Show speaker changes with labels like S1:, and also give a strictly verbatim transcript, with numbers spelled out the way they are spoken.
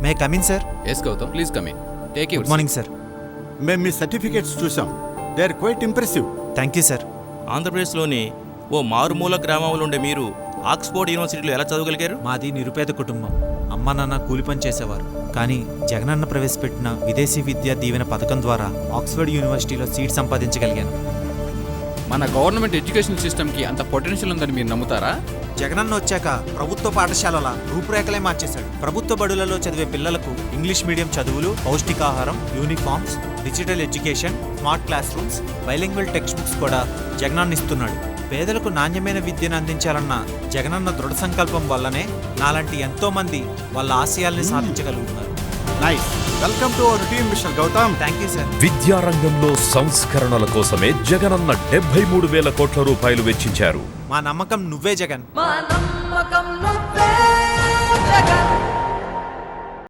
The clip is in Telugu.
S1: May come in sir?
S2: Yes Gautam, please come in. Take
S1: good morning sir.
S3: మేము మీ సర్టిఫికేట్స్ చూసాం. They are quite impressive.
S1: Thank you sir.
S4: ఆంధ్రప్రదేశ్లోని ఓ మారుమూల గ్రామంలో ఉండే మీరు ఆక్స్ఫోర్డ్ యూనివర్సిటీలో ఎలా చదవగలిగారు?
S1: మాది నిరుపేద కుటుంబం. అమ్మ నాన్న కూలి పని చేసేవారు. కానీ జగనన్న ప్రవేశపెట్టిన విదేశీ విద్యా దీవెన పథకం ద్వారా ఆక్స్ఫర్డ్ యూనివర్సిటీలో సీట్ సంపాదించగలిగాను.
S2: మన గవర్నమెంట్ ఎడ్యుకేషన్ సిస్టమ్కి అంత పొటెన్షియల్ ఉందని మీరు నమ్ముతారా?
S1: జగనన్న వచ్చాక ప్రభుత్వ పాఠశాలల రూపురేఖలే మార్చేశాడు. ప్రభుత్వ బడులలో చదివే పిల్లలకు ఇంగ్లీష్ మీడియం చదువులు, పౌష్టికాహారం, uniforms, digital education, smart classrooms, bilingual text books కూడా జగనన్న ఇస్తున్నాడు. పేదలకు నాణ్యమైన విద్యను అందించాలన్న జగనన్న దృఢ సంకల్పం వల్లనే నాలాంటి ఎంతో మంది వాళ్ళ ఆశయాల్ని సాధించగలుగుతున్నారు.
S3: Nice. Welcome to our team mister Gautam.
S1: Thank you sir.
S5: విద్యారంగంలో సంస్కరణల కోసమే జగనన్న డెబ్బై మూడు వేల కోట్ల రూపాయలు వెచ్చించారు.
S1: మా నమ్మకం నువ్వే జగన్.
S6: మా నమ్మకం నువ్వే